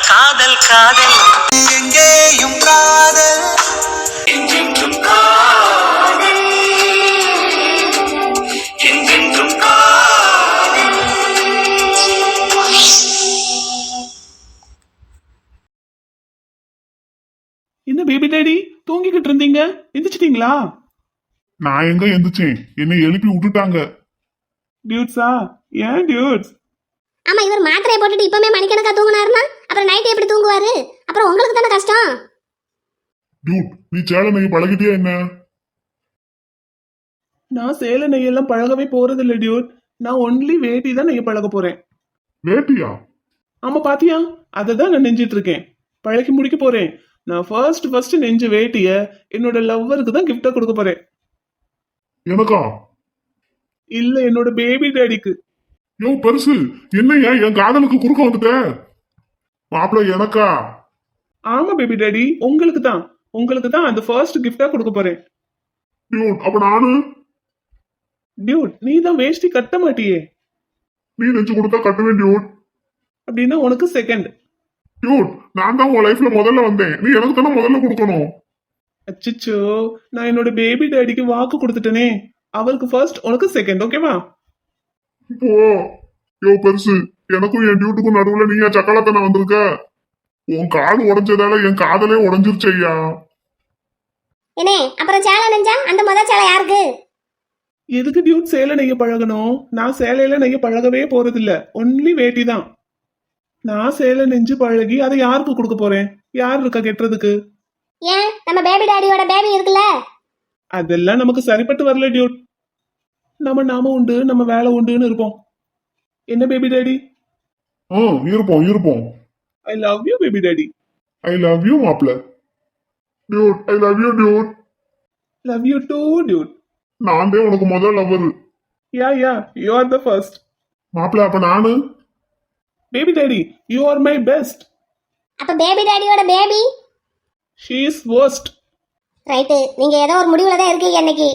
காதல் காதல் எங்கேயும் காதல் என்றென்றும் காதல் என்றென்றும் காதல். என்ன பேபி டாடி தூங்கிக்கிட்டு இருந்தீங்க, எந்திரிச்சிட்டீங்களா? நான் எங்க எந்திரிச்சேன், என்னை எழுப்பி விட்டுட்டாங்க. டியூட்ஸா? ஏன் டியூட்ஸ்? ஆமா, இவர் மாத்திரையை போட்டுட்டு இப்பவுமே மணிக்கணக்கா தூங்குனாருன்னா அப்புறம் நைட் எப்படி தூங்குவாரு? அப்புறம் உங்களுக்கு தானே கஷ்டம். டியூட், நீ சேலை நெய் பழகிட்டியா என்ன? நான் சேலை நெய்யெல்லாம் பழகவே போறது இல்ல டியூட். நான் ஒன்லி வேட்டி தான் நெய்ய பழக போறேன். வேட்டியா? ஆமா, பாத்தியா? அதை தான் நான் நெஞ்சிட்டு இருக்கேன். பழகி முடிக்க போறேன். நான் ஃபர்ஸ்ட் நெஞ்ச வேட்டிய என்னோட லவ்வருக்கு தான் கிஃப்டா கொடுக்க போறேன். எனக்கா? இல்ல, என்னோட பேபி டாடிக்கு. யோ பெருசு, என்னையா என் காதலுக்கு குறுக்க வந்துட்ட? மாப்பிள்ள எனக்கா? ஆமா பேபி டாடி, உங்களுக்கு தான் அந்த ஃபர்ஸ்ட் கிஃப்டா கொடுக்க போறேன். டியூட், அப்ப நானு? டியூட், நீ தான் வேஷ்டி கட்ட மாட்டியே. நீ நெஞ்சு கொடுத்தா கட்டுவேன் டியூட். அப்படின்னா உனக்கு செகண்ட். டியூட், நான் தான் உன் லைஃப்ல முதல்ல வந்தேன், நீ எனக்கு தானே முதல்ல கொடுக்கணும். அச்சிச்சோ, நான் என்னோட பேபி டாடிக்கு வாக்கு கொடுத்துட்டேனே. அவருக்கு ஃபர்ஸ்ட், உனக்கு செகண்ட், ஓகேவா? இப்போ யோ பெருசு, எனக்கும் என் டியூட்டுக்கும் நடுவுல நீயா சக்கலத்தனை வந்திருக்க? உன் காது உடைஞ்சதால என் காதலே உடைஞ்சிருச்சு ஐயா. ஏனே, அப்புறம் சேலை நெஞ்சா அந்த முதல் சேலை யாருக்கு? எதுக்கு டியூட் சேலை நெய்ய பழகணும்? நான் சேலையில நெய்ய பழகவே போறதில்ல, ஒன்லி வேட்டி தான். நான் சேலை நெஞ்சு பழகி அதை யாருக்கு கொடுக்க போறேன்? யார் இருக்கா கெட்டுறதுக்கு? ஏன், நம்ம பேபி டாடியோட பேபி இருக்குல்ல. அதெல்லாம் நமக்கு சரிப்பட்டு வரல டியூட். நாம உண்டு, நம்ம வேலை உண்டுன்னு இருப்போம். என்ன பேபி டாடி? இருப்போம். I love you baby daddy. I love you மாப்பிள்ள. Dude, I love you dude. Love you too dude. நான் தான் உனக்கு முதல் lover. Yeah you are the first. மாப்பிள்ள, அப்ப நானு? Baby daddy, you are my best. அப்ப பேபி டாடியோட baby? She is worst. Right, நீங்க ஏதோ ஒரு முடிவுல தான் இருக்கீங்க இன்னைக்கு.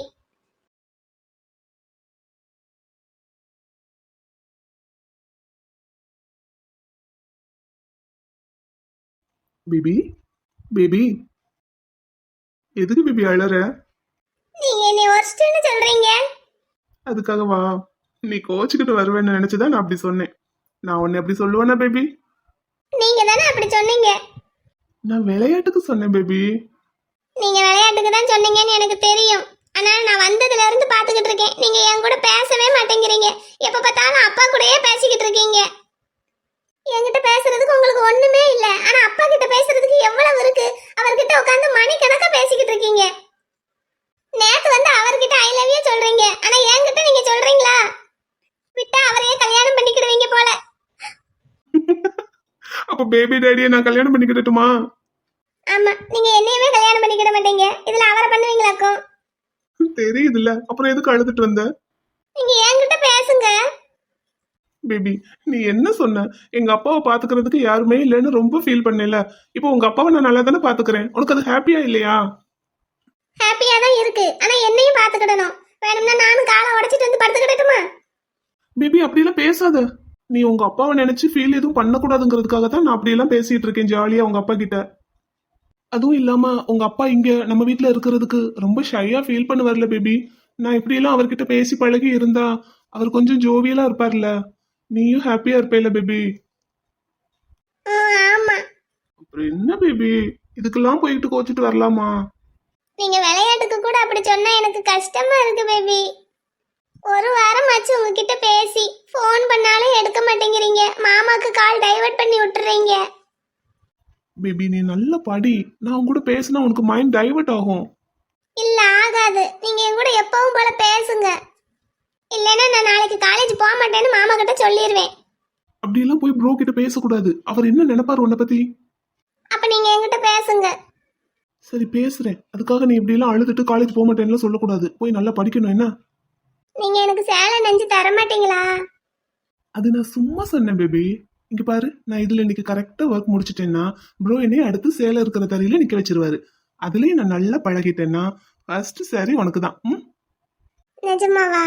பேபி எதுக்கு பேபி அழற? நீங்க என்ன worstன்னு சொல்றீங்க? அதுக்காகவா? நீ கோச்சுக்கிட்டு வருவேன்னு நினைச்சுதான் நான் அப்படி சொன்னேன். நான் உன்னை அப்படி சொல்லுவேனா பேபி? நீங்க தானே அப்படி சொன்னீங்க. நான் விளையாட்டுக்கு சொன்னேன் பேபி. நீங்க விளையாட்டுக்கு தான் சொன்னீங்கன்னு எனக்கு தெரியும். ஆனா நான் வந்ததுல இருந்து பாத்துக்கிட்டு இருக்கேன், நீங்க என் கூட பேசவே மாட்டேங்கிறீங்க. எப்ப பார்த்தாலும் அப்பா கூடயே பேசிக்கிட்டு இருக்கீங்க. என்கிட்ட பேசுறதுக்கு உங்களுக்கு ஒண்ணுமே இல்ல, ஆனா அப்பா கிட்ட பேசுறதுக்கு எவ்வளவு இருக்கு. அவர்கிட்ட உட்கார்ந்து மணிக்கணக்கா பேசிக்கிட்டு இருக்கீங்க. நேத்து வந்து அவர்கிட்ட ஐ லவ் யூ சொல்றீங்க, ஆனா என்கிட்ட நீங்க சொல்றீங்களா? விட்டா அவரையே கல்யாணம் பண்ணிக்கிடுவீங்க போல. அப்ப பேபி டாடியை நான் கல்யாணம் பண்ணிக்கிட்டுமா? ஆமா, நீங்க என்னையுமே கல்யாணம் பண்ணிக்கிட மாட்டீங்க, இதுல அவரை பண்ணுவீங்களாக்கும். தெரியுதுல்ல, அப்புறம் எதுக்கு அழுதுட்டு வந்த? நீங்க என்கிட்ட பேசுங்க. பேபி, நீ என்ன சொன்ன? எங்க அப்பாவை பாத்துக்கிறதுக்கு யாருமே இல்லைன்னு ரொம்ப ஃபீல் பண்ணல. இப்போ உங்க அப்பாவை நான் நல்லா தானே பாத்துக்கிறேன். உனக்கு அது ஹாப்பியா இல்லையா? ஹாப்பியா தான் இருக்கு, ஆனா என்னையும் பாத்துக்கிடணும். வேணும்னா நானும் காலை உடைச்சிட்டு வந்து படுத்துக்கிடட்டுமா? பேபி, அப்படியெல்லாம் பேசாத. நீ உங்க அப்பாவை நினைச்சு ஃபீல் எதுவும் பண்ணக்கூடாதுங்கிறதுக்காக தான் நான் அப்படியெல்லாம் பேசிட்டு இருக்கேன் ஜாலியா உங்க அப்பா கிட்ட. அதுவும் இல்லாம உங்க அப்பா இங்க நம்ம வீட்டுல இருக்கிறதுக்கு ரொம்ப ஷையா ஃபீல் பண்ண வரல பேபி. நான் இப்படியெல்லாம் அவர்கிட்ட பேசி பழகி இருந்தா அவர் கொஞ்சம் ஜோவியலா இருப்பார்ல. நீயும் ஹாப்பியா இருப்பேல பேபி. ஆமா. அப்புறம் என்ன பேபி, இதுக்கெல்லாம் போயிட்டு கோச்சிட்டு வரலாமா? நீங்க விளையாட்டுக்கு கூட அப்படி சொன்னா எனக்கு கஷ்டமா இருக்கு பேபி. ஒரு வாரம் ஆச்சு உங்ககிட்ட பேசி, ஃபோன் பண்ணாலும் எடுக்க மாட்டேங்கிறீங்க. மாமாக்கு கால் டைவர்ட் பண்ணி விட்டுறீங்க. பேபி, நீ நல்ல படி. நான் உன் கூட பேசினா உனக்கு மைண்ட் டைவர்ட் ஆகும். இல்ல ஆகாது, நீங்க என் கூட எப்பவும் போல பேசுங்க. இல்லைன்னா நான் நாளைக்கு காலேஜ் போக மாட்டேன்னு மாமா கிட்ட சொல்லிடுவேன். அப்படியெல்லாம் போய் ப்ரோ கிட்ட பேசக்கூடாது. அவர் என்ன நினைப்பாரு உன்னை பத்தி? அப்ப நீங்க என்கிட்ட பேசுங்க. சரி, பேசுறேன். அதுக்காக நீ இப்படி எல்லாம் அழுதுட்டு காலேஜ் போக மாட்டேன்னு சொல்லக்கூடாது. போய் நல்லா படிக்கணும். என்ன? நீங்க எனக்கு சேலை நெஞ்சு தர மாட்டீங்களா? அது நான் சும்மா சொன்னேன் பேபி. இங்க பாரு, நான் இதுல இன்னைக்கு கரெக்டா ஒர்க் முடிச்சிட்டேன்னா ப்ரோ என்னைய அடுத்து சேலை இருக்கிற தரையில நிக்க வச்சிருவாரு. அதுலயும் நான் நல்லா பழகிட்டேன்னா ஃபர்ஸ்ட் சாரி உனக்கு தான். நிஜமாவா?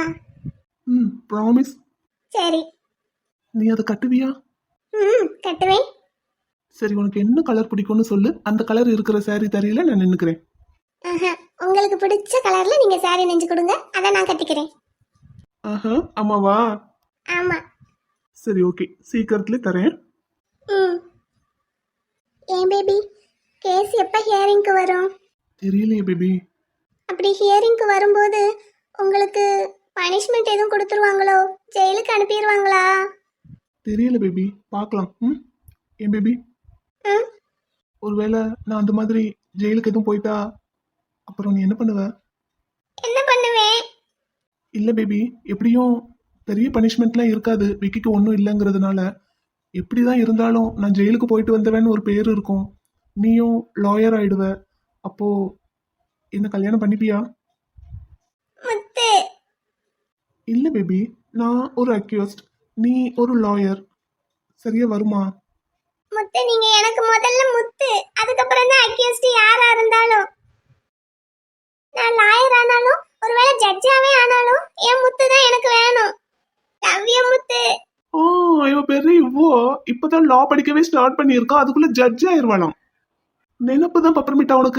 ப்ராமிஸ். சரி. நீ அதை கட்டுவியா? கட்டுவேன். சரி உனக்கு என்ன கலர் பிடிக்கும்னு சொல்லு, அந்த கலர் இருக்கிற saree தரையில நான் நின்னுக்கிறேன். ஆஹா, உங்களுக்கு பிடிச்ச கலர்ல நீங்க saree நெஞ்சு கொடுங்க, அதை நான் கட்டிக்கிறேன். ஆஹா, ஆமாவா? ஆமா. சரி ஓகே, சீக்கிரத்துல தரேன். ம். ஏன் பேபி, கேஸ் எப்ப ஹியரிங்க்கு வரும்? தெரியலையே பேபி. அப்படி ஹியரிங்க்கு வரும்போது உங்களுக்கு பனிஷ்மெண்ட் எதுவும் கொடுத்துருவாங்களோ, ஜெயிலுக்கு அனுப்பிடுவாங்களா? தெரியல பேபி, பார்க்கலாம். ம், ஏன் பேபி, ம். ஒருவேளை நான் அந்த மாதிரி ஜெயிலுக்கு எதுவும் போயிட்டா அப்புறம் நீ என்ன பண்ணுவ? என்ன பண்ணுவேன்? இல்ல பேபி, எப்படியும் பெரிய பனிஷ்மெண்ட்லாம் இருக்காது, விக்கிக்கு ஒன்றும் இல்லைங்கிறதுனால. எப்படிதான் இருந்தாலும் நான் ஜெயிலுக்கு போயிட்டு வந்தவன்னு ஒரு பேர் இருக்கும். நீயும் லாயர் ஆயிடுவ. அப்போ என்ன கல்யாணம் பண்ணிப்பியா? முத்து, இல்ல பேபி, நான் ஒரு அக்யூஸ்ட், நீ ஒரு லாயர். சரியா வருமா? முத்து நீங்க எனக்கு முதல்ல முத்து, அதுக்கப்புறம் தான் அக்யூஸ்ட் யாரா இருந்தாலும். நான் லாயர் ஆனாலும் ஒருவேளை ஜட்ஜாவே ஆனாலும் என் முத்து தான் எனக்கு வேணும். லவ் யூ முத்து. ஓ, இவ பெரிய இவ்வளோ இப்பதான் லா படிக்கவே ஸ்டார்ட் பண்ணியிருக்கா, அதுக்குள்ள ஜட்ஜ் ஆயிருவாளாம். நினப்பு தான் பப்பரமிட்டா உனக்கு.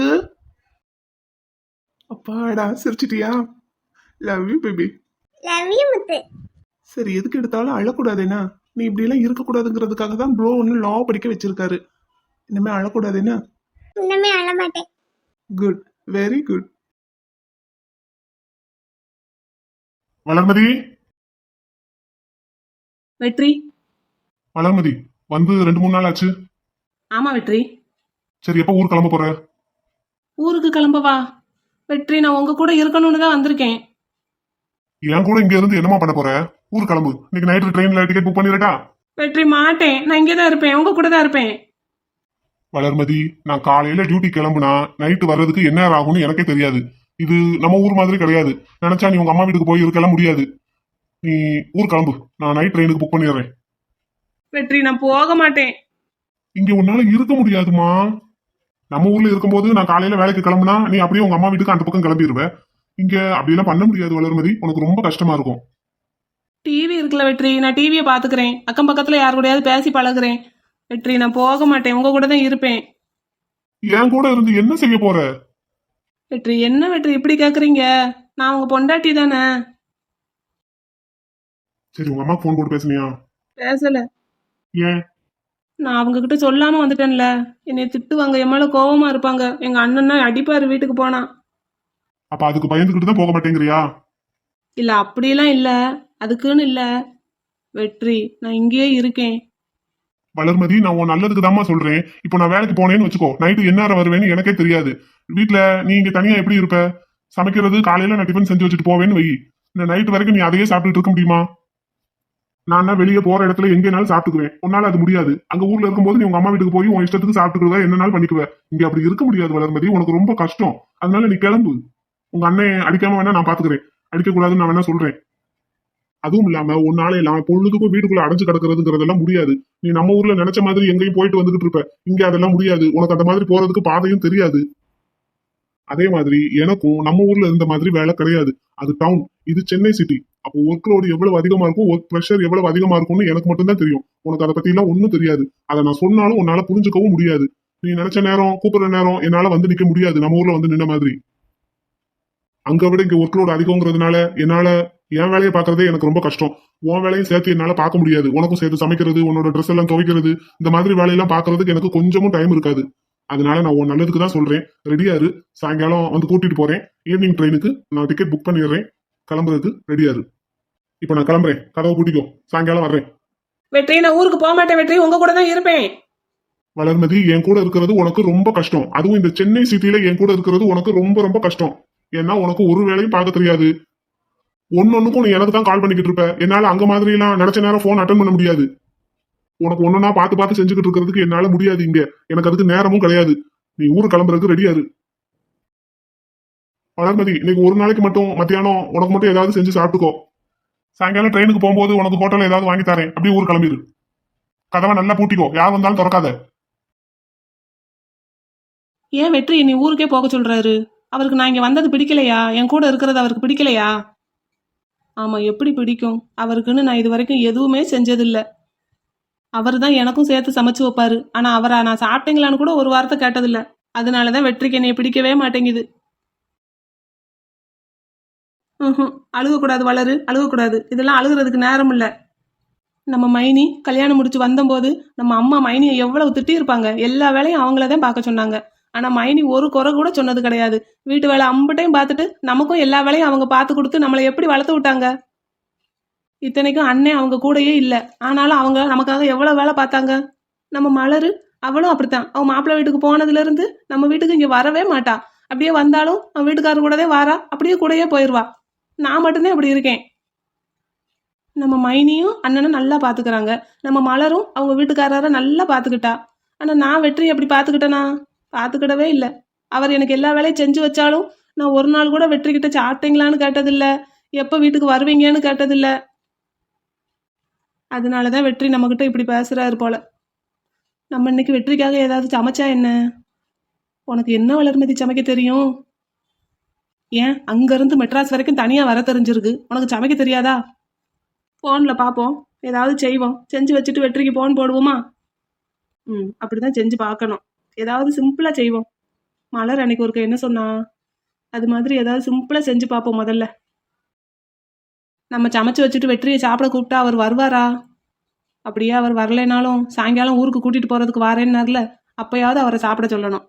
அப்பாடா, சிரிச்சிட்டியா? Love you baby. Love you Muthu. சரி, எதுக்கு எடுத்தாலும் அழக்கூடாதுன்னா, நீ இப்படி எல்லாம் இருக்கக்கூடாதுங்கிறதுக்காக தான் ப்ரோ ஒன்று லா படிக்க வச்சிருக்காரு. இனிமே அழக்கூடாதுன்னா. இன்னமே அழ மாட்டேன். Good, very good. வளர்மதி, வெற்றி. வளர்மதி வந்து 2-3 நாள் ஆச்சு. ஆமா வெற்றி. சரி, எப்போ ஊர் கிளம்ப போற? ஊருக்கு கிளம்பவா? வெற்றி, நான் உங்க கூட இருக்கணும்னு தான் வந்திருக்கேன். என் கூட இங்க இருந்து என்னமா பண்ண போற? ஊர் கிளம்பு. இன்னைக்கு நைட்டு ட்ரெயின்ல டிக்கெட் புக் பண்ணிடட்டா? வெற்றி மாட்டேன், நான் இங்கே தான் இருப்பேன், உங்க கூட தான் இருப்பேன். வளர்மதி, நான் காலையில டியூட்டி கிளம்புனா நைட்டு வர்றதுக்கு என்ன நேரம் ஆகும்னு எனக்கே தெரியாது. இது நம்ம ஊர் மாதிரி கிடையாது. நினைச்சா நீ உங்க அம்மா வீட்டுக்கு போய் இருக்கலாம் முடியாது. நீ ஊர் கிளம்பு, நான் நைட் ட்ரெயினுக்கு புக் பண்ணிடுறேன். வெற்றி, நான் போக மாட்டேன். இங்க உன்னால இருக்க முடியாதுமா. நம்ம ஊர்ல இருக்கும்போது நான் காலையில வேலைக்கு கிளம்புனா நீ அப்படியே உங்க அம்மா வீட்டுக்கு அந்த பக்கம் கிளம்பிடுவ. இங்க அப்படியெல்லாம் பண்ண முடியாது வளர்மதி, உனக்கு ரொம்ப கஷ்டமா இருக்கும். டிவி இருக்குல்ல வெற்றி, நான் டிவியை பாத்துக்கிறேன், அக்கம் பக்கத்துல யாரு கூடயாவது பேசி பழகுறேன். வெற்றி, நான் போக மாட்டேன், உங்க கூட தான் இருப்பேன். என் கூட இருந்து என்ன செய்ய போற? வெற்றி, என்ன வெற்றி இப்படி கேக்குறீங்க? நான் உங்க பொண்டாட்டி தானே. சரி, உங்க அம்மாக்கு போன் போட்டு பேசுனியா? பேசல. ஏன்? நான் அவங்க கிட்ட சொல்லாம வந்துட்டேன்ல, என்னை திட்டுவாங்க, என் மேல கோவமா இருப்பாங்க. எங்க அண்ணன்னா அடிப்பாரு வீட்டுக்கு போனா. அப்ப அதுக்கு பயந்துகிட்டு தான் போக மாட்டேங்கிறியா? இல்ல அப்படிலாம் இல்ல, அதுக்குன்னு இல்ல வெற்றி, நான் இங்கேயே இருக்கேன். வளர்மதி, நான் உன் நல்லதுக்கு தாம்மா சொல்றேன். இப்போ நான் வேலைக்கு போனேன்னு வச்சுக்கோ, நைட்டு என்ன நேரம் வருவேன்னு எனக்கே தெரியாது. வீட்டுல நீ இங்க தனியா எப்படி இருப்ப? சமைக்கிறது காலையில நான் டிஃபன் செஞ்சு வச்சுட்டு போவேன்னு வை. இந்த நைட்டு வரைக்கும் நீ அதையே சாப்பிட்டுட்டு இருக்க முடியுமா? நான் வெளியே போற இடத்துல எங்கேனாலும் சாப்பிட்டுக்குவேன். உன்னால அது முடியாது. அங்க ஊர்ல இருக்கும்போது நீ உங்க அம்மா வீட்டுக்கு போய் உன் இஷ்டத்துக்கு சாப்பிட்டுக்குவ, என்னனாலும் பண்ணிக்குவ. இங்க அப்படி இருக்க முடியாது வளர்மதி, உனக்கு ரொம்ப கஷ்டம். அதனால நீ கிளம்பு. உங்க அண்ணன் அடிக்காம வேணா நான் பாத்துக்கிறேன், அடிக்க கூடாதுன்னு நான் வேணா சொல்றேன். அதுவும் இல்லாம உன்னால எல்லாம் பொழுதுக்கும் வீட்டுக்குள்ள அடைஞ்சு கிடக்குறதுங்கிறதெல்லாம் முடியாது. நீ நம்ம ஊர்ல நினைச்ச மாதிரி எங்கேயும் போயிட்டு வந்துகிட்டு இருப்ப, இங்க அதெல்லாம் முடியாது. உனக்கு அந்த மாதிரி போறதுக்கு பாதையும் தெரியாது. அதே மாதிரி எனக்கும் நம்ம ஊர்ல இருந்த மாதிரி வேலை கிடையாது. அது டவுன், இது சென்னை சிட்டி. அப்போ ஒர்க் லோடு எவ்வளவு அதிகமா இருக்கும், ஒர்க் ப்ரெஷர் எவ்வளவு அதிகமா இருக்கும்னு எனக்கு மட்டும் தான் தெரியும். உனக்கு அதை பத்தி எல்லாம் ஒன்னும் தெரியாது. அதை நான் சொன்னாலும் உன்னால புரிஞ்சுக்கவும் முடியாது. நீ நினைச்ச நேரம் கூப்பிடுற நேரம் என்னால வந்து நிக்க முடியாது நம்ம ஊர்ல வந்து நின்ன மாதிரி. அங்க விட இங்க ஒர்க் லோடு அதிகங்கிறதுனால என்னால என் வேலையை பாக்குறதே எனக்கு ரொம்ப கஷ்டம். உன் வேலையும் சேர்த்து என்னால பார்க்க முடியாது. உனக்கும் சேர்த்து சமைக்கிறது, உன்னோட ட்ரெஸ் எல்லாம் துவைக்கிறது, இந்த மாதிரி வேலையெல்லாம் பாக்குறதுக்கு எனக்கு கொஞ்சமும் டைம் இருக்காது. அதனால நான் உன் நல்லதுக்கு தான் சொல்றேன். ரெடியா இரு, சாயங்காலம் வந்து கூட்டிட்டு போறேன். ஈவினிங் ட்ரெயினுக்கு நான் டிக்கெட் புக் பண்ணிடுறேன். கிளம்புறதுக்கு ரெடியா இரு. இப்ப நான் கிளம்புறேன், கதவை பூட்டிக்கோ, சாயங்காலம் வர்றேன். வெற்றி, நான் ஊருக்கு போக மாட்டேன் வெற்றி, உங்க கூட தான் இருப்பேன். வளர்மதி, என் கூட இருக்கிறது உனக்கு ரொம்ப கஷ்டம். அதுவும் இந்த சென்னை சிட்டில என் கூட இருக்கிறது உனக்கு ரொம்ப ரொம்ப கஷ்டம். ஏன்னா உனக்கு ஒரு வேலையும் பார்க்க தெரியாது. ஒன்னொன்னுக்கும் நீ எனக்கு தான் கால் பண்ணிக்கிட்டு இருப்ப. என்னால அங்க மாதிரி எல்லாம் நினைச்ச நேரம் போன் அட்டன் பண்ண முடியாது. உனக்கு ஒன்னொன்னா பார்த்து பார்த்து செஞ்சுக்கிட்டு இருக்கிறதுக்கு என்னால முடியாது. இங்க எனக்கு அதுக்கு நேரமும் கிடையாது. நீ ஊரு கிளம்புறதுக்கு ரெடியா இரு. வளர்மதி, இன்னைக்கு ஒரு நாளைக்கு மட்டும் மத்தியானம் உனக்கு மட்டும் ஏதாவது செஞ்சு சாப்பிட்டுக்கோ. சாயங்காலம் ட்ரெயினுக்கு போகும்போது உனக்கு ஹோட்டல்ல ஏதாவது வாங்கி தரேன், அப்படியே ஊர் கிளம்பிடு. கதவை நல்லா பூட்டிக்கோ, யார் வந்தாலும் திறக்காத. ஏன் வெற்றி நீ ஊருக்கே போக சொல்றாரு? அவருக்கு நான் இங்க வந்தது பிடிக்கலையா? என் கூட இருக்கிறது அவருக்கு பிடிக்கலையா? ஆமா, எப்படி பிடிக்கும்? அவருக்குன்னு நான் இது வரைக்கும் எதுவுமே செஞ்சதில்ல. அவர் தான் எனக்கும் சேர்த்து சமைச்சு வைப்பாரு. ஆனா அவரை நான் சாப்பிட்டீங்களான்னு கூட ஒரு வார்த்தை கேட்டதில்ல. அதனாலதான் வெற்றிக்கு என்னைய பிடிக்கவே மாட்டேங்குது. அழுகக்கூடாது வளரு, அழுகக்கூடாது. இதெல்லாம் அழுகுறதுக்கு நேரம் இல்ல. நம்ம மைனி கல்யாணம் முடிச்சு வந்தபோது நம்ம அம்மா மைனியை எவ்வளவு திட்டி இருப்பாங்க. எல்லா வேலையும் அவங்களதான் பார்க்க சொன்னாங்க. ஆனா மைனி ஒரு குறை கூட சொன்னது கிடையாது. வீட்டு வேலை அம்பட்டையும் பார்த்துட்டு நமக்கும் எல்லா வேலையும் அவங்க பார்த்து கொடுத்து நம்மளை எப்படி வளர்த்து விட்டாங்க. இத்தனைக்கும் அண்ணன் அவங்க கூடயே இல்ல. ஆனாலும் அவங்க நமக்காக எவ்வளவு வேலை பார்த்தாங்க. நம்ம மலரு அவளும் அப்படித்தான். அவன் மாப்பிள்ளை வீட்டுக்கு போனதுல இருந்து நம்ம வீட்டுக்கு இங்க வரவே மாட்டா. அப்படியே வந்தாலும் அவன் வீட்டுக்காரர் கூடவே வாரா, அப்படியே கூடயே போயிடுவா. நான் மட்டும்தான் அப்படி இருக்கேன். நம்ம மைனியும் அண்ணனும் நல்லா பாத்துக்கிறாங்க. நம்ம மலரும் அவங்க வீட்டுக்காரரை நல்லா பாத்துக்கிட்டா. ஆனா நான் வெற்றி அப்படி பாத்துக்கிட்டேனா? பாத்துக்கிடவே இல்லை. அவர் எனக்கு எல்லா வேலையும் செஞ்சு வச்சாலும் நான் ஒரு நாள் கூட வெற்றி கிட்ட சாப்பிட்டீங்களான்னு கேட்டதில்ல, எப்ப வீட்டுக்கு வருவீங்கன்னு கேட்டதில்ல. அதனாலதான் வெற்றி நம்ம கிட்ட இப்படி பேசுறாரு போல. நம்ம இன்னைக்கு வெற்றிக்காக ஏதாவது சமைச்சா என்ன? உனக்கு என்ன வளர்மதி சமைக்க தெரியும்? ஏன் அங்கிருந்து மெட்ராஸ் வரைக்கும் தனியா வர தெரிஞ்சிருக்கு, உனக்கு சமைக்க தெரியாதா? போன்ல பாப்போம், ஏதாவது செய்வோம். செஞ்சு வச்சுட்டு வெற்றிக்கு போன் போடுவோமா? அப்படிதான் செஞ்சு பார்க்கணும். ஏதாவது சிம்பிளா செய்வோம். மலர் அன்னைக்கு ஒருக்க என்ன சொன்னா, அது மாதிரி ஏதாவது சிம்பிளா செஞ்சு பார்ப்போம். முதல்ல நம்ம சமைச்சு வச்சுட்டு வெற்றியை சாப்பிட கூப்பிட்டா அவர் வருவாரா? அப்படியே அவர் வரலைனாலும் சாயங்காலம் ஊருக்கு கூட்டிட்டு போறதுக்கு வாரேன்னார்ல, அப்பயாவது அவரை சாப்பிட சொல்லணும்.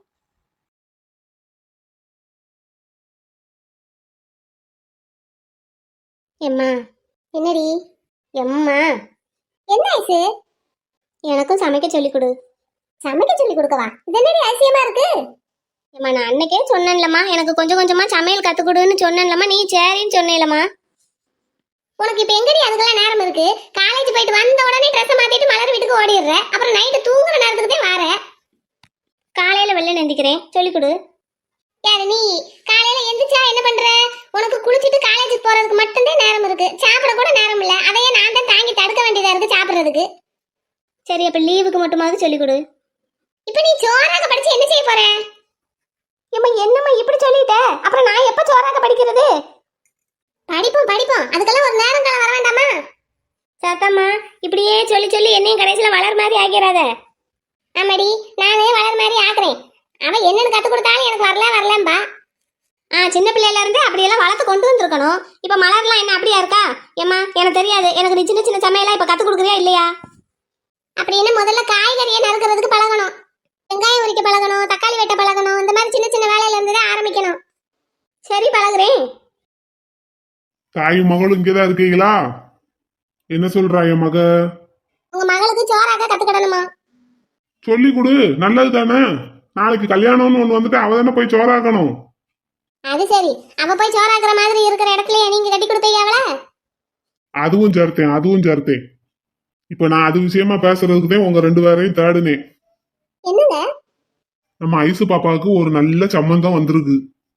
எம்மா என்னடி? எம்மா என்ன ஐசு? எனக்கும் சமைக்க சொல்லிக் கொடு. சமைக்க சொல்லி கொடுக்கவா? இது என்னடி அதிசயமா இருக்கு? ஏம்மா நான் அன்னைக்கே சொன்னேன்லம்மா, எனக்கு கொஞ்சம் கொஞ்சமா சமையல் கத்துக்கொடுன்னு சொன்னேன்லம்மா, நீ சரின்னு சொன்னேலம்மா. உனக்கு இப்ப எங்கடி அதுக்கெல்லாம் நேரம் இருக்கு? காலேஜ் போயிட்டு வந்த உடனே ட்ரெஸ் மாத்திட்டு மலர் வீட்டுக்கு ஓடிடுற. அப்புறம் நைட்டு தூங்குற நேரத்துக்கு தான் வார. காலையில வெள்ளை நந்திக்கிறேன், சொல்லிக் கொடு. யாரு நீ? காலையில எந்திரிச்சா என்ன பண்ற? உனக்கு குளிச்சுட்டு காலேஜுக்கு போறதுக்கு மட்டும்தான் நேரம் இருக்கு. சாப்பிட கூட நேரம் இல்ல. அதையே நான் தான் தாங்கி தடுக்க வேண்டியதா இருக்கு சாப்பிடுறதுக்கு. சரி, அப்ப லீவுக்கு மட்டுமாவது சொல்லிக் கொடு. இப்ப நீ சோறாக படிச்சு என்ன செய்ய போற? ஏம்மா என்னம்மா இப்படி சொல்லிட்ட? அப்புறம் நான் எப்ப சோறாக படிக்கிறது? படிப்போம் படிப்போம், அதுக்கெல்லாம் ஒரு நேரம் காலம் வர வேண்டாமா? சத்தம்மா, இப்படியே சொல்லி சொல்லி என்னையும் கடைசியில வளர் மாதிரி ஆக்கிறாத. ஆமாடி, நானே வளர் மாதிரி ஆக்குறேன். அவன் என்னன்னு கத்து கொடுத்தாலும் எனக்கு வரலம்பா. சின்ன பிள்ளையில இருந்து அப்படியெல்லாம் வளர்த்து கொண்டு வந்திருக்கணும். இப்ப மலர்லாம் என்ன அப்படியா இருக்கா? ஏம்மா எனக்கு தெரியாது. எனக்கு நீ சின்ன சின்ன சமையலாம் இப்ப கத்து கொடுக்குறியா இல்லையா? அப்படின்னு முதல்ல காய்கறியை நறுக்கிறதுக்கு பழகணும். வெங்காயம் உரிக்க பழகணும், தக்காளி வெட்ட பழகணும். இந்த மாதிரி சின்ன சின்ன வேலையில இருந்து தான் ஆரம்பிக்கணும். சரி, பழகுறேன். தாயும் மகளும் இங்கேதான் இருக்கீங்களா? என்ன சொல்றா என் மக? உங்க மகளுக்கு சோறாக்க கத்துக்கிடணுமா? சொல்லி கொடு, நல்லது தானே. நாளைக்கு கல்யாணம்னு ஒண்ணு வந்துட்டு அவ தானே போய் சோறாக்கணும். அது சரி, அவ போய் சோறாக்குற மாதிரி இருக்கிற இடத்துல நீங்க கட்டி கொடுப்பீங்க அவள? அதுவும் சேர்த்தேன். இப்ப நான் அது விஷயமா பேசுறதுக்கு தான் உங்க ரெண்டு பேரையும் தேடுனேன். என்னங்க? நம்ம ஐசு பாப்பாவுக்கு ஒரு நல்ல சம்பந்தம் வந்திருக்கு.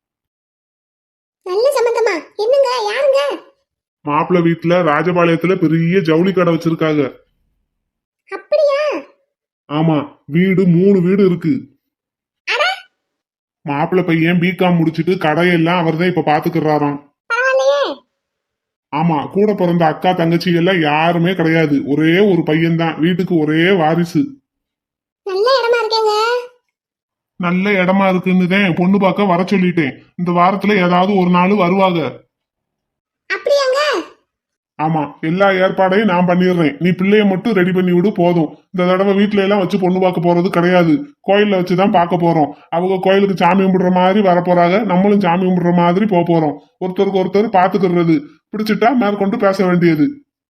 நல்ல சம்பந்தமா? என்னங்க? யாருங்க? மாப்பிள்ளை வீட்டுல ராஜபாளையத்துல பெரிய ஜவுளி கடை வச்சிருக்காங்க. அப்படியா? ஆமா, வீடு 3 வீடு இருக்கு. மாப்பிள்ளை பையன் பிகாம் முடிச்சிட்டு கடையெல்லாம் அவர் தான் இப்ப பாத்துக்கிறாராம். பரவாயில்லையே. ஆமா, கூட பிறந்த அக்கா தங்கச்சி எல்லாம் யாருமே கிடையாது. ஒரே ஒரு பையன் தான், வீட்டுக்கு ஒரே வாரிசு. நல்ல இடமா இருக்கேங்க. நல்ல இடமா இருக்குன்னு தான் பொண்ணு பார்க்க வர சொல்லிட்டேன். இந்த வாரத்துல ஏதாவது ஒரு நாள் வருவாங்க. அப்படியாங்க? ஆமா, எல்லா ஏற்பாடையும் நான் பண்ணிடுறேன். நீ பிள்ளைய மட்டும் ரெடி பண்ணி விடு போதும். இந்த தடவை வீட்டுல எல்லாம் வச்சு பொண்ணு பார்க்க போறது கிடையாது. கோயில்ல வச்சுதான் பார்க்க போறோம். அவங்க கோயிலுக்கு சாமி கும்பிடுற மாதிரி வர போறாங்க, நம்மளும் சாமி கும்பிடுற மாதிரி போக போறோம். ஒருத்தருக்கு ஒருத்தர் பாத்துக்கிறது. பிடிச்சிட்டா மேற்கொண்டு பேச வேண்டியது.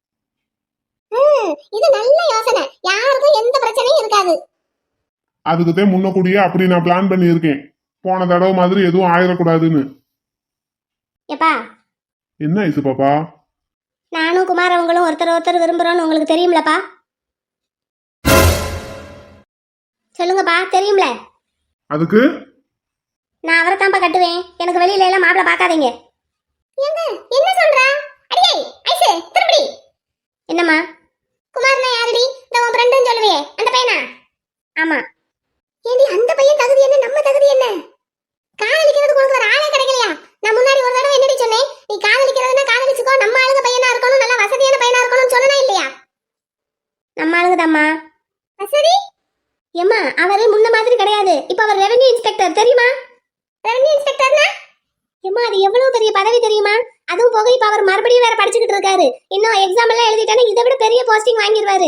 இது நல்ல யோசனை. யாருக்கும் எந்த பிரச்சனையும் இருக்காது. அதுக்குதான் முன்னக்கூடியே அப்படி நான் பிளான் பண்ணி இருக்கேன். போன தடவை மாதிரி எதுவும் ஆயிடக்கூடாதுன்னு. எப்பா, என்ன ஐசு பாப்பா? நானும் குமார் அவங்களும் ஒருத்தர் விரும்புறோம்னு உங்களுக்கு தெரியும்லப்பா? சொல்லுங்கப்பா, தெரியும்ல? அதுக்கு நான் அவரை தான்ப்பா கட்டுவேன். எனக்கு வெளியில எல்லாம் மாப்பிள பாக்காதீங்க. என்ன சொல்றா? அடியே ஐசு, திருப்படி. என்னம்மா? குமார்னா யாருடி? இந்த உன் ஃப்ரெண்டுன்னு சொல்லுவியே, அந்த பையனா? ஆமா. ஏண்டி, அந்த பையன் தகுதி என்ன, நம்ம தகுதி என்ன? காதலிக்கிறதுக்கு உனக்கு ஒரு ஆளே கிடைக்கலையா? நான் முன்னாடி ஒரு தடவை என்னடி சொன்னேன்? நீ காதலிக்கிறதுனா காதலிச்சுக்கோ, நம்ம ஆளுங்க பையனா இருக்கணும், நல்லா வசதியான பையனா இருக்கணும்னு சொன்னா இல்லையா? நம்ம ஆளுங்க தாம்மா. சரி ஏம்மா அவரு முன்ன மாதிரி கிடையாது இப்ப அவர் ரெவென்யூ இன்ஸ்பெக்டர் தெரியுமா? ரெவென்யூ இன்ஸ்பெக்டர்னா ஏம்மா அது எவ்வளவு பெரிய பதவி தெரியுமா? அதுவும் போக இப்ப அவர் மறுபடியும் வேற படிச்சுக்கிட்டு இருக்காரு. இன்னும் எக்ஸாம் எல்லாம் எழுதிட்டானே இதை விட பெரிய போஸ்டிங் வாங்கிடுவாரு.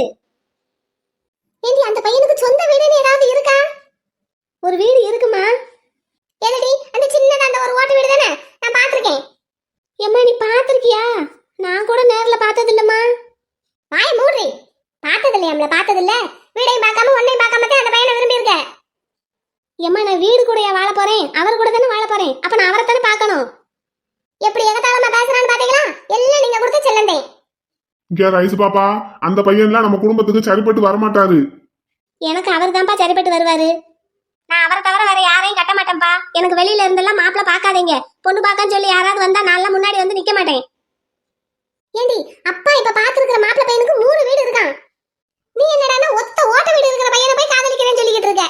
ஏண்டி அந்த பையனுக்கு சொந்த வீடுன்னு ஏதாவது இருக்கா? ஒரு வீடு இருக்குமா? ஏதடி அந்த சின்னதா அந்த ஒரு ஓட்டு வீடு தானே நான் பாத்திருக்கேன். ஏம்மா நீ பாத்திருக்கியா? நான் கூட நேர்ல பார்த்தது இல்லம்மா. வாய மூடுறி. பார்த்தது இல்லையாம்ல? பார்த்தது இல்ல. வீடையும் பார்க்காம ஒன்னையும் பார்க்காம தான் அந்த பையனை விரும்பி இருக்க. ஏம்மா நான் வீடு கூடயா வாழ போறேன்? அவர் கூட தானே வாழ போறேன். அப்ப நான் அவரை தானே பார்க்கணும். எப்படி எகத்தாளமா பேசுறான்னு பாத்தீங்களா? எல்லாம் நீங்க கொடுத்த செல்லந்தே. இங்க ரைஸ் பாப்பா, அந்த பையன்லாம் நம்ம குடும்பத்துக்கு சரிப்பட்டு வரமாட்டாரு. எனக்கு அவர் தான்ப்பா சரிப்பட்டு வருவாரு. நான் அவரை தவிர வேற யாரையும் கட்ட மாட்டேன்ப்பா. எனக்கு வெளியில இருந்தெல்லாம் மாப்பிள்ள பார்க்காதீங்க. பொண்ணு பார்க்கன்னு சொல்லி யாராவது வந்தா நான் முன்னாடி வந்து நிக்க மாட்டேன். ஏண்டி அப்பா இப்ப பாத்துருக்கிற மாப்பிள்ள பையனுக்கு 3 வீடு இருக்கான். நீ என்னடான்னா ஒத்த ஓட்ட வீடு இருக்கிற பையனை போய் காதலிக்கிறேன்னு சொல்லிக்கிட்டு இருக்க.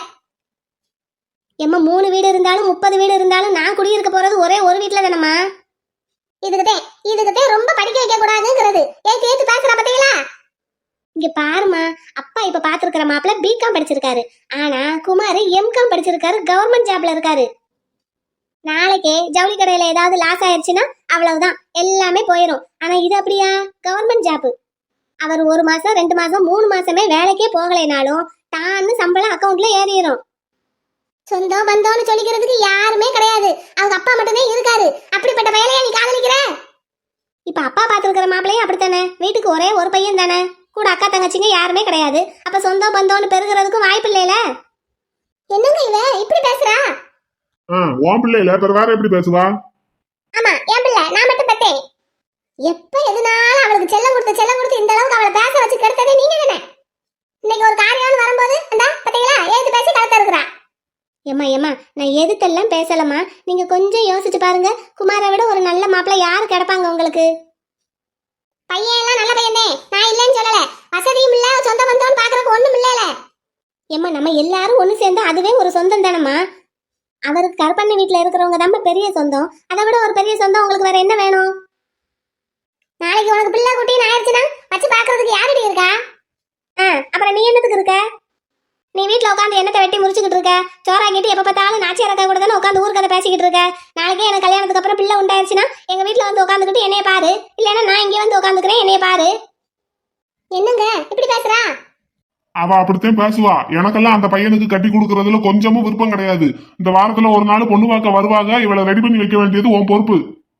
எம்மா 3 வீடு இருந்தாலும் 30 வீடு இருந்தாலும் நான் குடியிருக்க போறது ஒரே ஒரு வீட்டுல தானம்மா. இதுக்குதே ரொம்ப படிக்க வைக்க கூடாதுங்கிறது. ஏன் கேட்டு பேசுற பாத்தீங்களா? இங்க பாருமா, அப்பா இப்ப பாத்துருக்கிற மாப்பிள்ள பிகாம் படிச்சிருக்காரு. ஆனா குமார் எம்காம் படிச்சிருக்காரு. கவர்மெண்ட் ஜாப்ல இருக்காரு. நாளைக்கே ஜவுளி கடையில ஏதாவது லாஸ் ஆயிடுச்சுன்னா அவ்வளவுதான், எல்லாமே போயிடும். ஆனா இது அப்படியா? Government job. அவர் 1 மாசம் 2 மாசம் 3 மாசமே வேலைக்கே போகலைனாலும் தான்னு சம்பளம் அக்கௌண்ட்ல ஏறிடும். சொந்தம் பந்தம்னு சொல்லிக்கிறதுக்கு யாருமே கிடையாது. அவங்க அப்பா மட்டுமே இருக்காரு. அப்படிப்பட்ட பையனையா நீ காதலிக்கிற? இப்ப அப்பா பாத்துருக்கிற மாப்பிள்ளையும் அப்படித்தானே. வீட்டுக்கு ஒரே ஒரு பையன் தானே. கூட அக்கா தங்கச்சிங்க யாருமே கிடையாது. அப்ப சொந்தம் பந்தம்னு பெருகிறதுக்கும் வாய்ப்பு இல்லையில. என்னங்க இவ இப்படி பேசுறா? உன் பிள்ளை இல்ல, வேற எப்படி பேசுவா? ஆமா என் பிள்ளை, நான் மட்டும் பத்தேன். எப்ப எதுனாலும் அவளுக்கு செல்லம் கொடுத்து இந்த அளவுக்கு அவளை பேச வச்சு கெடுத்ததே நீங்க தானே. இன்னைக்கு ஒரு காரியம்னு வரும்போது அந்த பாத்தீங்களா ஏது பேசி கலத்த இருக்கிறா. ஏம்மா நான் எதுக்கெல்லாம் பேசலம்மா. நீங்க கொஞ்சம் யோசிச்சு பாருங்க. குமாரை விட ஒரு நல்ல மாப்பிள்ளை யாரு கிடைப்பாங்க உங்களுக்கு? பையன் எல்லாம் நல்ல பையனே, நான் இல்லைன்னு சொல்லல. வசதியும் இல்ல, சொந்த பந்தம்னு பாக்குறதுக்கு ஒண்ணும் இல்லல. ஏம்மா நம்ம எல்லாரும் ஒண்ணு சேர்ந்து அதுவே ஒரு சொந்தம் தானம்மா. அவருக்கு கருப்பண்ண வீட்டுல இருக்கிறவங்க தான் பெரிய சொந்தம். அதை விட ஒரு பெரிய சொந்தம் உங்களுக்கு வேற என்ன வேணும்? நாளைக்கு உனக்கு பிள்ளை குட்டின்னு ஆயிடுச்சுன்னா வச்சு பாக்குறதுக்கு யாருடி இருக்கா? அப்புறம் நீ என்னத்துக்கு இருக்க? நீ வீட்டுல உட்காந்து என்னத்தை வெட்டி முடிச்சுக்கிட்டு இருக்க? சோறாக்கிட்டு எப்ப பார்த்தாலும் நாச்சியார் அக்கா கூட தானே உட்காந்து ஊர் கதை பேசிக்கிட்டு இருக்க. நாளைக்கே எனக்கு கல்யாணத்துக்கு அப்புறம் பிள்ளை உண்டாயிருச்சுன்னா எங்க வீட்டுல வந்து உட்காந்துக்கிட்டு என்னைய பாரு. இல்லைன்னா நான் இங்கே வந்து உட்காந்துக்கிறேன், என்னைய பாரு. என்னங்க இப்படி பேசுறா? அவ அப்படித்தான் பேசுவா. எனக்கெல்லாம் அந்த பையனுக்கு கட்டி கொடுக்கறதுல கொஞ்சமும் விருப்பம் கிடையாது. இந்த வாரத்துல ஒரு நாள் பொண்ணு பார்க்க வருவாங்க. இவளை ரெடி பண்ணி வைக்க வேண்டியது உன் பொறுப்பு.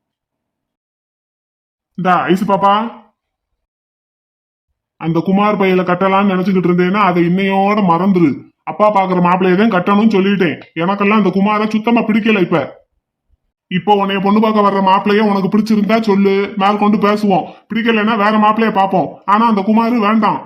இந்தா ஐசு பாப்பா, அந்த குமார் பையில கட்டலாம்னு நினைச்சுக்கிட்டு இருந்தேன்னா அதை இன்னையோட மறந்துரு. அப்பா பாக்குற மாப்பிள்ளையதான் கட்டணும்னு சொல்லிட்டேன். எனக்கெல்லாம் அந்த குமார சுத்தமா பிடிக்கல. இப்போ உன்னைய பொண்ணு பார்க்க வர்ற மாப்பிள்ளைய உனக்கு பிடிச்சிருந்தா சொல்லு, மேல் கொண்டு பேசுவோம். பிடிக்கலன்னா வேற மாப்பிள்ளைய பார்ப்போம். ஆனா அந்த குமாரு வேண்டாம்.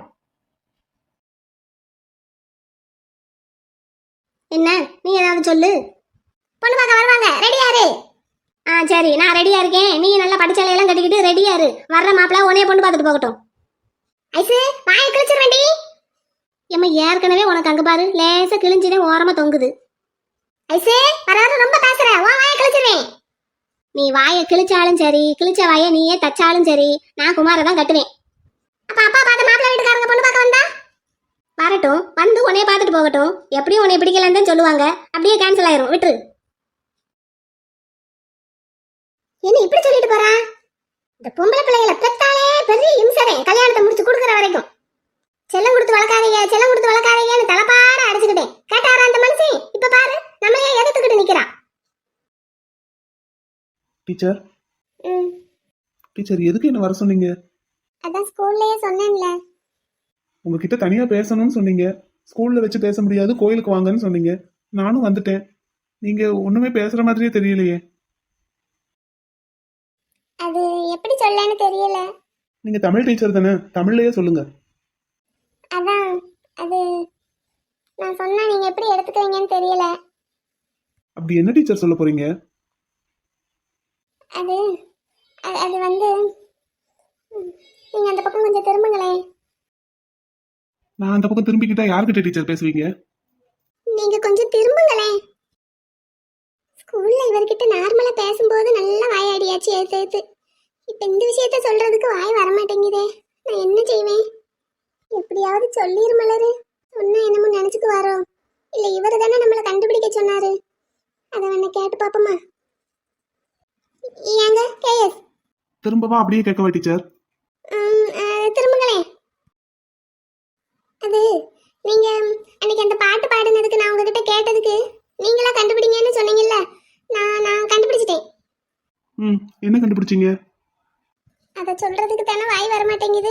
என்ன நீ ஏதாவது சொல்லு. பொண்ணு பார்க்க வருவாங்க, ரெடியாரு? சரி நான் ரெடியா இருக்கேன். நீ நல்லா படிச்சாலையெல்லாம் கட்டிக்கிட்டு ரெடியாரு. வர்ற மாப்பிள்ள உன்னைய பொண்ணு பார்த்துட்டு போகட்டும். ஐசு வாயை கிழிச்சிருவேண்டி. ஏம்மா ஏற்கனவே உனக்கு அங்க பாரு லேசா கிழிஞ்சுதே ஓரமா தொங்குது. ஐசு வராது ரொம்ப பேசுற, உன் வாயை கிழிச்சிருவேன். நீ வாயை கிழிச்சாலும் சரி, கிழிச்ச வாயை நீயே தச்சாலும் சரி, நான் குமாரை தான் கட்டுவேன். அப்ப அப்பா பார்த்து மாப்பிள்ள வீட்டுக்காரங்க பொண்ணு பார்க்க வந்தா வரட்டும், வந்து உன்னைய பார்த்துட்டு போகட்டும். எப்படியும் உன்னை பிடிக்கலன்னு தான் சொல்லுவாங்க. அப்படியே கேன்சல் ஆயிரும், விட்டுரு. என்ன இப்படி சொல்லிட்டு போறா? இந்த பொம்பளை பிள்ளைகளை பெத்தாலே பெரிய இம்சரே. கல்யாணத்தை முடிச்சு கொடுக்குற வரைக்கும் செல்லம் கொடுத்து வளர்க்காதீங்கன்னு தலைப்பாட அடிச்சுக்கிட்டேன். கேட்டாரா அந்த மனுஷன்? இப்ப பாரு நம்மளையே எதிர்த்துக்கிட்டு நிக்கிறா. டீச்சர் டீச்சர் எதுக்கு என்ன வர சொன்னீங்க? அதான் ஸ்கூல்லயே சொன்னேன்ல. உங்ககிட்ட தனியா பேசணும்னு சொன்னீங்க. ஸ்கூல்ல வச்சு பேச முடியாது, கோயிலுக்கு வாங்கன்னு சொன்னீங்க. நானும் வந்துட்டேன். நீங்க ஒண்ணுமே பேசுற மாதிரியே தெரியலையே. அது எப்படி சொல்லன்னு தெரியல. நீங்க தமிழ் டீச்சர் தானே, தமிழ்லயே சொல்லுங்க. அதான் அது நான் சொன்னா நீங்க எப்படி எடுத்துக்கிறீங்கன்னு தெரியல. அப்படி என்ன டீச்சர் சொல்ல போறீங்க? அது அது வந்து நீங்க அந்த பக்கம் கொஞ்சம் திரும்புங்களேன். நான் அந்த பக்கம் திரும்பிக்கிட்டா யார்கிட்ட டீச்சர் பேசுவீங்க? நீங்க கொஞ்சம் திரும்புங்களேன். ஸ்கூல்ல இவர்கிட்ட நார்மலா பேசும்போது நல்லா வாயாடியாச்சு ஏத்து. இப்ப இந்த விஷயத்த சொல்றதுக்கு வாய் வரமாட்டேங்குதே. நான் என்ன செய்வேன்? எப்படியாவது சொல்லிரு மலரு. ஒன்னும் என்னமோ நினைச்சுக்கு வரோம். இல்ல இவரு தானே நம்மளை கண்டுபிடிக்க சொன்னாரு. அதை வேணா கேட்டு பாப்போமா? ஏங்க கேஎஸ் திரும்பவா அப்படியே கேட்கவா டீச்சர்? திரும்புங்களேன். அது நீங்க அன்னைக்கு அந்த பாட்டு பாடுனதுக்கு நான் உங்ககிட்ட கேட்டதுக்கு நீங்களா கண்டுபிடிங்கன்னு சொன்னீங்கல்ல, நான் கண்டுபிடிச்சிட்டேன். என்ன கண்டுபிடிச்சீங்க? அதை சொல்றதுக்கு தானே வாய் வர மாட்டேங்குது.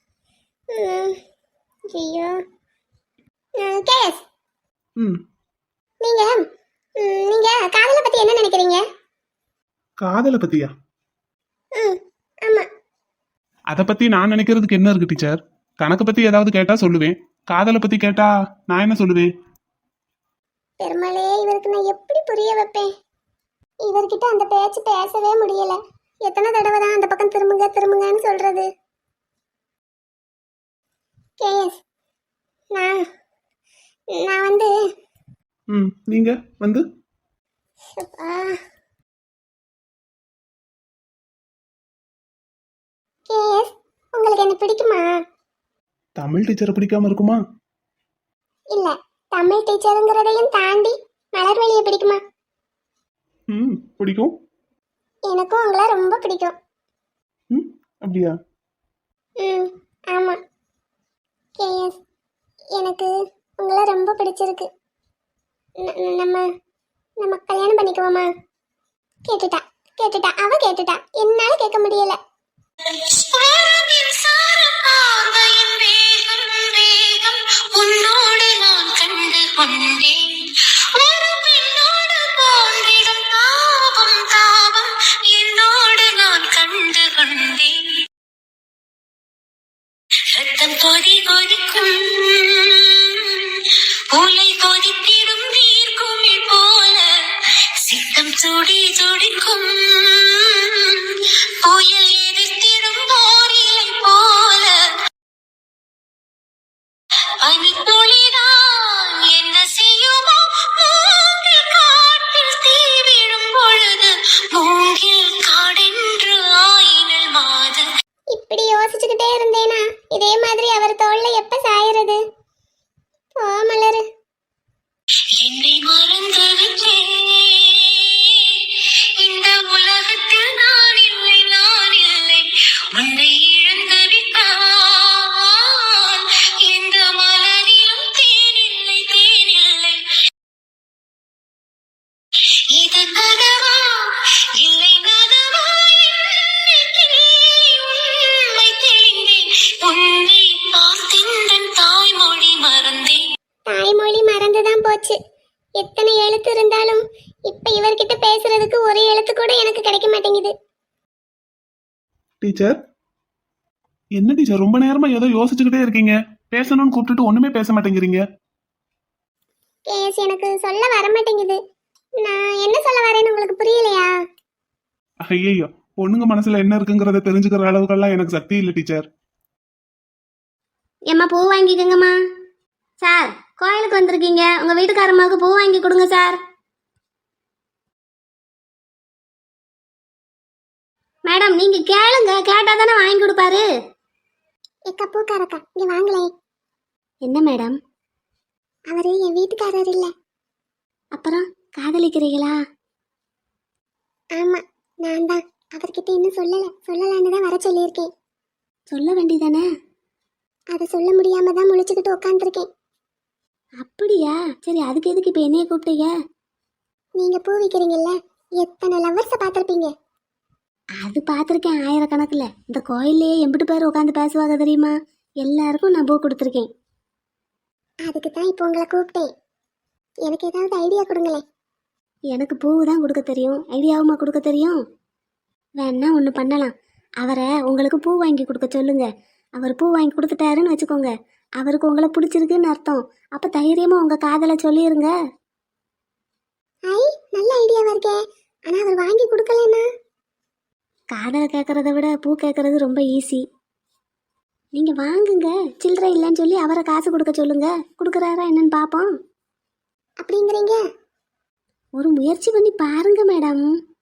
ஐயோ கேஎஸ், நீங்க நீங்க காதலை பத்தி என்ன நினைக்கிறீங்க? காதலை பத்தியா? ஆமா. அதை பத்தி நான் நினைக்கிறதுக்கு என்ன இருக்கு டீச்சர்? கணக்கு பத்தி ஏதாவது கேட்டா சொல்லுவேன், காதலை பத்தி கேட்டா நான் என்ன சொல்லுவேன்? பெருமாளே, இவருக்கு நான் எப்படி புரிய வைப்பேன்? இவர்கிட்ட அந்த பேச்சு பேசவே முடியல. எத்தனை தடவை தான் அந்த பக்கம் திரும்புங்க திரும்புங்கன்னு சொல்றது? கேஎஸ், நான் வந்து நீங்க வந்து கேஎஸ், உங்களுக்கு என்ன பிடிக்குமா? தமிழ் டீச்சரை பிடிக்காம இருக்குமா? இல்ல, தமிழ் டீச்சருங்கிறதையும் தாண்டி மலர்வெளியை பிடிக்குமா? பிடிக்கும். எனக்கும் உங்களை ரொம்ப பிடிக்கும். அப்படியா? ஆமா கேஎஸ், எனக்கு உங்களை ரொம்ப பிடிச்சிருக்கு. நம்ம நம்ம கல்யாணம் பண்ணிக்குவோமா? கேட்டுட்டா அவ கேட்டுட்டா, என்னால கேட்க முடியல. பார்வையின் வேகம் வேகம் உன்னோடு நான் கண்டு கொண்டேன். ஒரு பெண்ணோடு போன்றிடும் தாபம் தாபம் என்னோடு நான் கண்டு கொண்டேன். ரத்தம் கொதி கொதிக்கும் உலை கொதித்திடும் நீர்க்குமிழ் போல சித்தம் துடி துடிக்கும் புயல் எதிர்த்திடும் போரிலை போல பனித்துளிதான் என்ன செய்யுமோ? மூங்கில் காட்டில் தீ விழும் பொழுது மூங்கில் காடென்று ஆயினல் மாது. இப்படி யோசிச்சுக்கிட்டே இருந்தேனா இதே மாதிரி அவர் தோல்ல எப்ப சாயறது? போ மலரு. என்னை மறந்து விட்டேன். இந்த உலகத்தில் நான் இல்லை உன்னை இழந்து விட்டால் எந்த மலரிலும் தேனில்லை. இது கனவா இல்லை நனவா? உண்மை தெரிந்தேன். உன்னை பார்த்தென்றன் தாய்மொழி மறந்தேன். தாய்மொழி மறந்துதான் போச்சு. எத்தனை எழுத்து இருந்தாலும் இப்ப இவர்கிட்ட பேசுறதுக்கு ஒரு எழுத்து கூட எனக்கு கிடைக்க மாட்டேங்குது. டீச்சர், என்ன டீச்சர் ரொம்ப நேரமா ஏதோ யோசிச்சுக்கிட்டே இருக்கீங்க? பேசணும்னு கூப்பிட்டுட்டு ஒண்ணுமே பேச மாட்டேங்கிறீங்க. கேஸ், எனக்கு சொல்ல வர மாட்டேங்குது. நான் என்ன சொல்ல வரேன்னு உங்களுக்கு புரியலையா? ஐயோ, பொண்ணுங்க மனசுல என்ன இருக்குங்கிறத தெரிஞ்சுக்கிற அளவுக்கெல்லாம் எனக்கு சக்தி இல்லை டீச்சர். ஏம்மா, பூ வாங்கிக்கோங்கம்மா. சார், கோயிலுக்கு வந்திருக்கீங்க, உங்க வீட்டுக்காரம்மாவுக்கு பூ வாங்கி கொடுங்க சார். மேடம், நீங்க கேளுங்க, கேட்டா தானே வாங்கி கொடுப்பாரு. ஏக்கா பூக்காரக்கா, இங்க வாங்களே. என்ன மேடம்? அவரு என் வீட்டுக்காரர் இல்ல. அப்புறம் காதலிக்கிறீங்களா? ஆமா, நான் தான். அவர்கிட்ட இன்னும் சொல்லலான்னு தான் வர சொல்லியிருக்கேன். சொல்ல வேண்டியதானே? அதை சொல்ல முடியாம தான் முழிச்சுக்கிட்டு உட்காந்துருக்கேன். அப்படியா? சரி, அதுக்கு எதுக்கு இப்ப என்னைய கூப்பிட்டீங்க? நீங்க பூ விற்கிறீங்கல்ல, எத்தனை லவ்வர்ஸை பார்த்துருப்பீங்க. அது பார்த்துருக்கேன் ஆயிரக்கணக்கில். இந்த கோயில்லையே எம்பிட்டு பேர் உட்காந்து பேசுவாங்க தெரியுமா? எல்லாருக்கும் நான் பூ கொடுத்துருக்கேன். அதுக்கு தான் இப்போ உங்களை கூப்பிட்டேன். எனக்கு ஏதாவது ஐடியா கொடுங்களேன். எனக்கு பூ தான் கொடுக்க தெரியும், ஐடியாவுமா கொடுக்க தெரியும்? வேணா ஒன்று பண்ணலாம். அவரை உங்களுக்கு பூ வாங்கி கொடுக்க சொல்லுங்க. அவர் பூ வாங்கி கொடுத்துட்டாருன்னு வச்சுக்கோங்க, அவருக்கு உங்களை பிடிச்சிருக்குன்னு அர்த்தம். அப்போ தைரியமாக உங்கள் காதலை சொல்லிடுங்க. ஐ, நல்ல ஐடியாவா இருக்கே. ஆனால் அவர் வாங்கி கொடுக்கலன்னா? காதலை கேட்குறத விட பூ கேட்குறது ரொம்ப ஈஸி. நீங்கள் வாங்குங்க, சில்லறை இல்லைன்னு சொல்லி அவரை காசு கொடுக்க சொல்லுங்க. கொடுக்குறாரா என்னன்னு பார்ப்போம். அப்படிங்கிறீங்க? ஒரு முயற்சி பண்ணி பாருங்க மேடம்.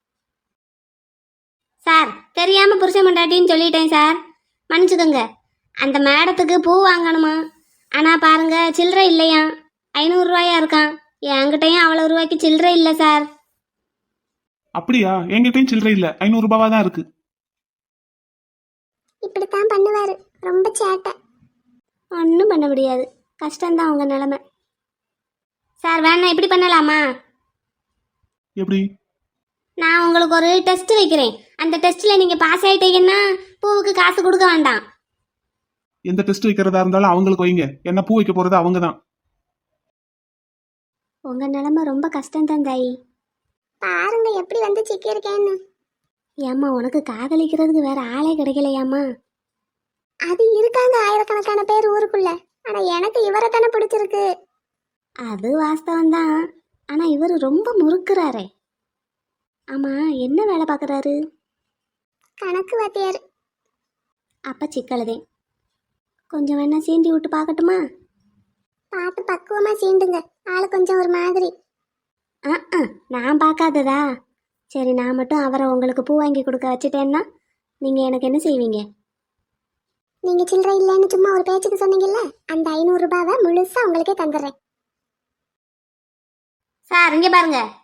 சார், தெரியாமல் புருஷன் மண்டாட்டின்னு சொல்லிட்டேன் சார், மன்னிச்சுக்கோங்க. அந்த மேடத்துக்கு பூ வாங்கணுமா? ஆனா பாருங்க சில்லறை இல்லையா, 500 ரூபாயா இருக்கான். என்கிட்டயும் அவ்வளவு ரூபாய்க்கு சில்லறை இல்லை சார். அப்படியா? என்கிட்டயும் சில்லறை இல்ல, 500 ரூபாவா தான் இருக்கு. இப்படித்தான் பண்ணுவாரு, ரொம்ப சேட்டை. ஒன்றும் பண்ண முடியாது, கஷ்டம்தான் உங்க நிலைமை. சார் வேணா இப்படி பண்ணலாமா? எப்படி? நான் உங்களுக்கு ஒரு டெஸ்ட் வைக்கிறேன். அந்த டெஸ்ட்ல நீங்க பாஸ் ஆயிட்டீங்கன்னா பூவுக்கு காசு கொடுக்க வேண்டாம். எந்த டெஸ்ட் வைக்கிறதா இருந்தாலும் அவங்களுக்கு வைங்க, என்ன பூ வைக்க போறது அவங்க தான். உங்க நிலைமை ரொம்ப கஷ்டம்தான் தாயி. பாருங்க எப்படி வந்து சிக்கியிருக்கேன்னு. ஏம்மா உனக்கு காதலிக்கிறதுக்கு வேற ஆளே கிடைக்கலையாம்மா? அது இருக்காங்க ஆயிரக்கணக்கான பேர் ஊருக்குள்ள. ஆனா எனக்கு இவரை தானே பிடிச்சிருக்கு. அது வாஸ்தவம் தான். ஆனா இவர் ரொம்ப முறுக்குறாரே. ஆமா என்ன வேலை பார்க்குறாரு? கணக்கு வாத்தியார். அப்ப சிக்கலுதே. கொஞ்சம் வேணா சீண்டி விட்டு பார்க்கட்டுமா? பார்த்து பக்குவமா சீண்டுங்க, ஆளு கொஞ்சம் ஒரு மாதிரி. நான் பார்க்காததா? சரி, நான் மட்டும் அவரை உங்களுக்கு பூ வாங்கி கொடுக்க வச்சுட்டேன்னா நீங்க எனக்கு என்ன செய்வீங்க? நீங்க சில்லறை இல்லைன்னு சும்மா ஒரு பேச்சுக்கு சொன்னீங்கல்ல, அந்த 500 ரூபாவை முழுசா உங்களுக்கே தந்துடுறேன். சார் இங்க பாருங்க,